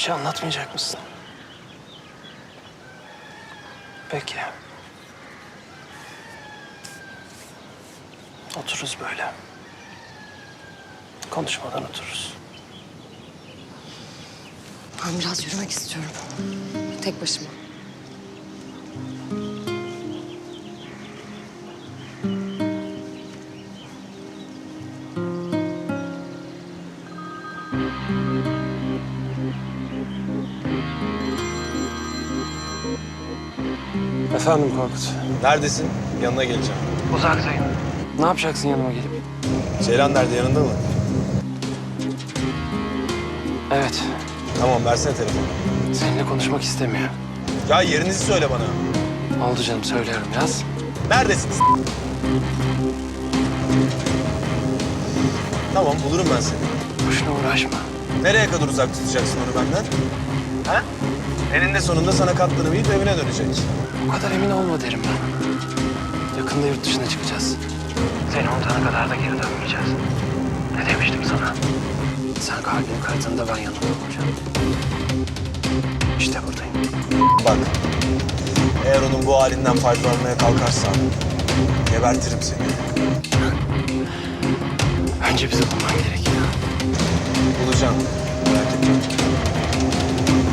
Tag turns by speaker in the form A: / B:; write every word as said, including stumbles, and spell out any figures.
A: şey anlatmayacak mısın? Peki. Otururuz böyle. Konuşmadan otururuz.
B: Ben biraz yürümek istiyorum. Tek başıma.
A: Efendim Korkut.
C: Neredesin? Yanına geleceğim.
A: Uzaktayım. Ne yapacaksın yanıma gelip?
C: Ceylan nerede? Yanında mı?
A: Evet.
C: Tamam, versene telefonu.
A: Seninle konuşmak istemiyor.
C: Ya yerinizi söyle bana.
A: Oldu canım, söylüyorum, yaz.
C: Neredesiniz? Tamam, bulurum ben seni.
A: Boşuna uğraşma.
C: Nereye kadar uzak tutacaksın onu benden? Ha? Eninde sonunda sana katlanıp yiyip evine dönecek.
A: O kadar emin olma derim ben. Yakında yurt dışına çıkacağız. Seni unutana kadar da geri dönmeyeceğiz. Ne demiştim sana? Sen kalbini kırdığında ben yanında olacağım. İşte buradayım.
C: Bak, eğer onun bu halinden faydalanmaya kalkarsan gebertirim seni.
A: Önce bizi bulman gerekiyor.
C: Bulacağım, merak etme.